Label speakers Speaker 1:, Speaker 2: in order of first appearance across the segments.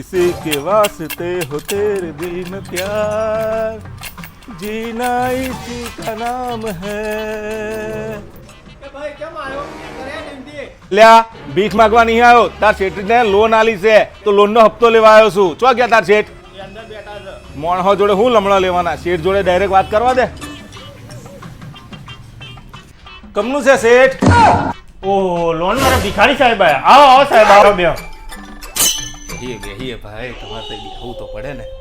Speaker 1: किसी के वास्ते हो तेरे बिन प्यार जीना इसी का नाम है
Speaker 2: ભાઈ કેમ આવ્યો કરે નિમતી
Speaker 1: લ્યા ભીખ માંગવા નહીં આવ્યો તાર શેઠને લોન આલી છે તો લોનનો હપ્તો લેવા આવ્યો છું ચો ગયા તાર શેઠ
Speaker 2: એ અંદર બેઠા છે
Speaker 1: મોણહો જોડે હું લમણા લેવાના શેઠ જોડે ડાયરેક્ટ વાત કરવા દે કમનું છે શેઠ
Speaker 3: ઓહો લોન વાળા ભિખારી સાહેબ આયા આવો આવો સાહેબ આવો બે
Speaker 1: બેહીએ ભાઈ તમારે તો બેહવું તો પડે ને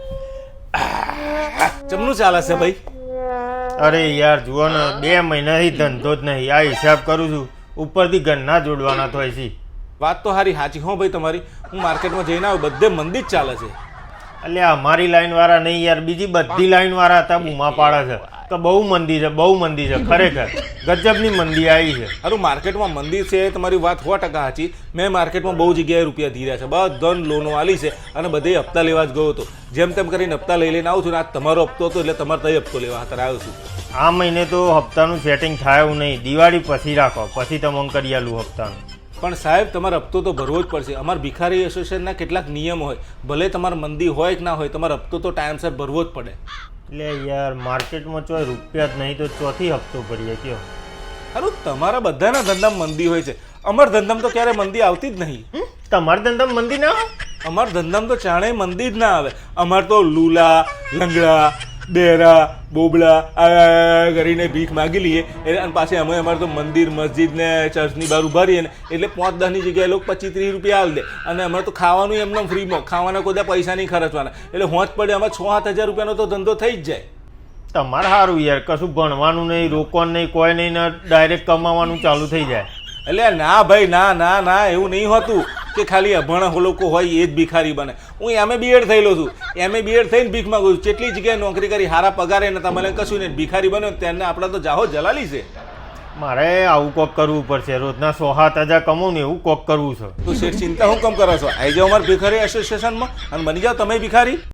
Speaker 1: ચમનું ચાલે છે ભાઈ
Speaker 3: અરે યાર જુઓ ને 2 મહિનાથી ધંધો જ નહીં આ હિસાબ કરું છું ઉપરથી ઘરના જોડવાના તો છે
Speaker 1: વાત તો હારી સાચી હો ભાઈ તમારી હું માર્કેટમાં જઈને આવ્યો બધે મંદી જ ચાલે છે
Speaker 3: એટલે અમારી લાઈન વાળા નહીં યાર બીજી બધી લાઈન વાળા હતા બૂમા પાડે છે કે બહુ મંદી છે ખરેખર ગજબની મંદી આવી છે
Speaker 1: હારું માર્કેટમાં મંદી છે તમારી વાત 100% સાચી મેં માર્કેટમાં બહુ જગ્યાએ રૂપિયા ધીર્યા છે બધાને લોનો આલી છે અને બધે હપ્તા લેવા જ ગયો હતો જેમ તેમ કરીને હપ્તા લઈ લઈને આવું છું ને આ તમારો હપ્તો હતો એટલે તમારે તઈ હપ્તો લેવા અત્યારે આવ્યો છું
Speaker 3: આ મહિને તો હપ્તાનું સેટિંગ થાય એવું નહીં દિવાળી પછી રાખો પછી તમને કરી આલું હપ્તાનું
Speaker 1: પણ સાહેબ તમારે હપ્તો તો ભરવો જ પડશે અમારા ભિખારી એસોસિએશનના કેટલાક નિયમ હોય ભલે તમારે મંદી હોય કે ના હોય તમારે હપ્તો તો ટાઈમસર ભરવો જ પડે
Speaker 3: એટલે યાર માર્કેટમાં ચોય રૂપિયા જ નહીં તો ચોથી હપ્તો ભરીએ કયો
Speaker 1: હારું તમારા બધાના ધંધામાં મંદી હોય છે અમારા ધંધામાં તો ક્યારે મંદી આવતી જ નહીં
Speaker 3: તમારા ધંધામાં મંદી ના આવે
Speaker 1: અમારા ધંધામાં તો ચાણે મંદી જ ના આવે અમારે તો લુલા લંગડા ડેરા બોબડા આ કરીને ભીખ માગી લઈએ અને પાછી અમે અમારે તો મંદિર મસ્જિદ ને ચર્ચની બહાર ઉભા રહીએ ને એટલે 5-10ની જગ્યાએ લોકો 25-30 રૂપિયા આલ દે અને અમારે તો ખાવાનું એમને ફ્રીમાં ખાવાના કોઈ પૈસા નહીં ખર્ચવાના એટલે હોંચ પડે અમારે 6-7 હજાર રૂપિયાનો તો ધંધો થઈ જ જાય
Speaker 3: તમારે સારું યાર કશું ભણવાનું નહીં રોકવાનું નહીં કોઈ નહીં ને ડાયરેક્ટ કમાવાનું ચાલુ થઈ જાય
Speaker 1: એટલે ના ભાઈ ના ના ના એવું નહીં હોતું કે ખાલી અભણ લોકો હોય એ જ ભિખારી બને હું એમ બીએડ થયેલો છું એમ બીએડ થઈને ભીખ માંગુ છું કેટલી જગ્યાએ નોકરી કરી હારા પગારે નતા મને કશું નહીં ભિખારી બન્યો તેને આપણે તો જાહો જલાલી છે
Speaker 3: મારે આવું કોક કરવું પડશે રોજના 6-7 હજાર કમાવું ને એવું કોક કરવું છે
Speaker 1: તો શેઠ ચિંતા હું કમ કરો છો આવી જાઓ અમારા ભિખારી એસોસિએશનમાં અને બની જાઓ તમે ભિખારી